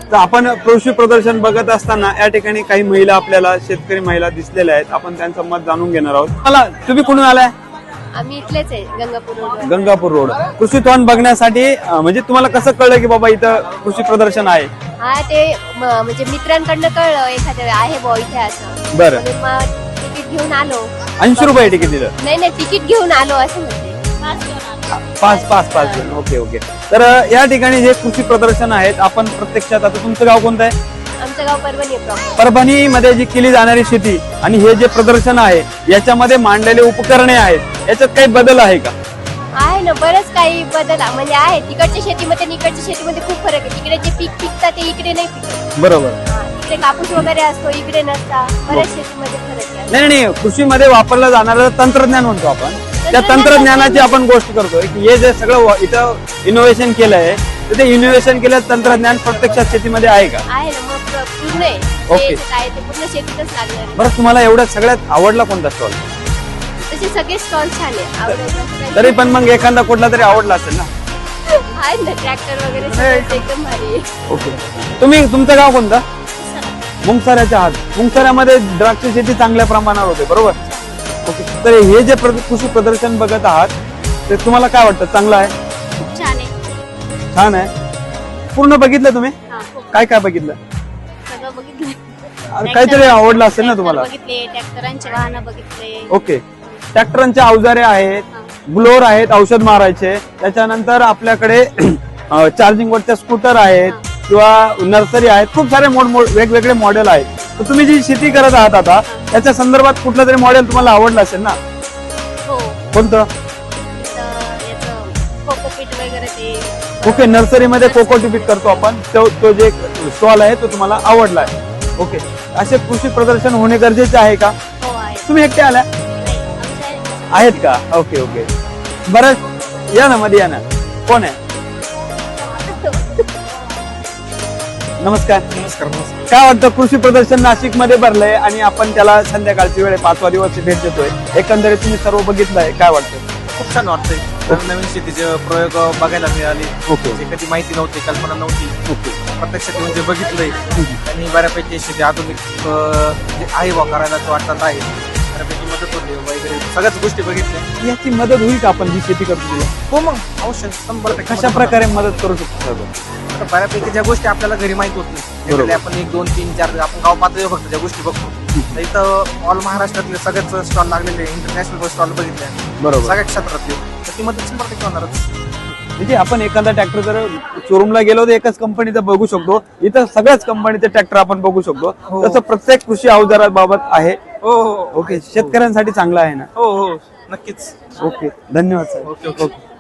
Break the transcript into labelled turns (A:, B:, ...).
A: तर आपण कृषी प्रदर्शन बघत असताना या ठिकाणी काही महिला आपल्याला शेतकरी महिला दिसलेल्या आहेत. आपण त्यांचं मत जाणून घेणार आहोत. मला तुम्ही कुठून आलाय?
B: आम्ही इथलेच आहे, गंगापूर रोड.
A: गंगापूर रोड. कृषी तोंड बघण्यासाठी म्हणजे तुम्हाला कसं कळलं की बाबा इथं कृषी प्रदर्शन आहे?
B: हा ते म्हणजे मित्रांकडनं कळलं एखाद्या आहे बुवा इथे असं.
A: बरं.
B: म्हणून मग तिकीट घेऊन आलो.
A: 80 रुपये तिकीट दिलं?
B: नाही तिकीट घेऊन आलो असं म्हणते.
A: पाच जण. Okay okay. तर या ठिकाणी जे कृषी प्रदर्शन आहेत आपण प्रत्यक्षात, आता तुमचं गाव कोणतं आहे?
B: आमचं गाव परभणी आहे प्रॉपर.
A: परभणी मध्ये जी केली जाणारी शेती आणि हे जे प्रदर्शन आहे याच्यामध्ये मांडलेले उपकरणे आहेत, याच्यात काही बदल आहे का?
B: आहे ना, बरंच काही बदल म्हणजे आहे. तिकडच्या शेतीमध्ये आणि इकडच्या शेतीमध्ये खूप फरक आहे. तिकडे जे पीक पिकतात ते इकडे नाही पिकत.
A: बरोबर.
B: इकडे कापूस वगैरे असतो, इकडे नसता. बऱ्याच शेतीमध्ये फरक आहे.
A: नाही, कृषीमध्ये वापरलं जाणारं तंत्रज्ञान म्हणतो आपण, त्या तंत्रज्ञानाची आपण गोष्ट करतोय की हे जे सगळं इथं इनोव्हेशन केलंय तर ते इनोव्हेशन केलेलं तंत्रज्ञान प्रत्यक्षात शेतीमध्ये आहे का?
B: आहे ना, मग पूर्ण आहे.
A: ओके.
B: काय ते पूर्ण शेतीतच लागणार आहे.
A: बरं, तुम्हाला एवढ्यात सगळ्यात आवडला कोणता स्टॉल?
B: तसे सगळे स्टॉल छान आहे. आवडायचं
A: तरी पण मग एखादा कुठला तरी आवडला असेल ना?
B: आहे ना, ट्रॅक्टर वगैरे सगळं एकदम भारी आहे.
A: ओके. तुमचं गाव कोणतं? मुंगसाऱ्याच्या आत. मुंगसाऱ्यामध्ये द्राक्ष शेती चांगल्या प्रमाणावर होते, बरोबर? ओके. तर हे जे कृषी प्रदर्शन बघत आहात ते तुम्हाला काय वाटतं? चांगलं आहे?
B: छान आहे.
A: छान आहे. पूर्ण बघितलं तुम्ही? काय काय बघितलं?
B: सगळं बघितलं.
A: काहीतरी आवडलं असेल ना तुम्हाला?
B: बघितले, ट्रॅक्टरांचे वाहनं बघितले.
A: ओके. ट्रॅक्टरांचे अवजारे आहेत, ब्लोअर आहेत औषध मारायचे, त्याच्यानंतर आपल्याकडे चार्जिंग वरच्या स्कूटर आहेत किंवा नर्सरी आहेत. खूप सारे वेगवेगळे मॉडेल आहेत. तर तुम्ही जी शेती करत आहात आता त्याच्या संदर्भात कुठलं तरी मॉडेल तुम्हाला आवडलं असेल ना?
B: हो.
A: कोणतं?
B: कोकोपीट वगैरे ते.
A: ओके. नर्सरीमध्ये कोकोपीट करतो आपण, तो जे स्टॉल आहे तो तुम्हाला आवडला आहे. ओके. असे कृषी प्रदर्शन होणे गरजेचे आहे का?
B: हो आहे.
A: तुम्ही एकटे आल्या आहेत का? Okay okay. बरं, या ना मध्ये, या ना. कोण आहे? नमस्कार.
C: नमस्कार.
A: काय वाटतं, कृषी प्रदर्शन नाशिक मध्ये भरलंय आणि आपण त्याला संध्याकाळची वेळ 5वा दिवस भेट देतोय, एकंदरीत तुम्ही सर्व बघितलंय, काय वाटतं?
C: खूप छान वाटतंय. नवीन शेतीचे प्रयोग बघायला मिळाले.
A: ओके.
C: जे कधी माहिती नव्हती, कल्पना नव्हती.
A: ओके.
C: प्रत्यक्षात म्हणजे बघितलंय आणि बऱ्यापैकी शेती आधुनिक जे आहे वा करायला वाटतात आहे. बऱ्यापैकी मदत होते वगैरे, सगळ्याच गोष्टी बघितल्या.
A: याची मदत होईल का आपण जी शेती करतो तिला?
C: हो मग अवश्य 100%
A: कशा प्रकारे मदत करू शकतो आपण?
C: आता बऱ्यापैकी ज्या गोष्टी आपल्याला घरी माहित होत नाही,
A: बरोबर.
C: त्यातल्या आपण 1, 2, 3, 4 आपण गाव पातळीवर फक्त ज्या गोष्टी बघतो. तर इथं ऑल महाराष्ट्रातले सगळ्याच स्टॉल लागलेले, इंटरनॅशनल स्टॉल बघितले
A: बरोबर.
C: सगळ्या क्षेत्रातले. तर ती मदत 100% होणारच.
A: म्हणजे आपण एखादा ट्रॅक्टर जर शोरूमला गेलो तर एकच कंपनीचा बघू शकतो, इथं सगळ्याच कंपनीचे ट्रॅक्टर आपण बघू शकतो.
C: हो.
A: तसं प्रत्येक कृषी अवजाराबाबत आहे.
C: हो हो.
A: ओके. शेतकऱ्यांसाठी चांगलं आहे ना?
C: हो हो नक्कीच.
A: ओके. धन्यवाद सर.
C: Okay okay.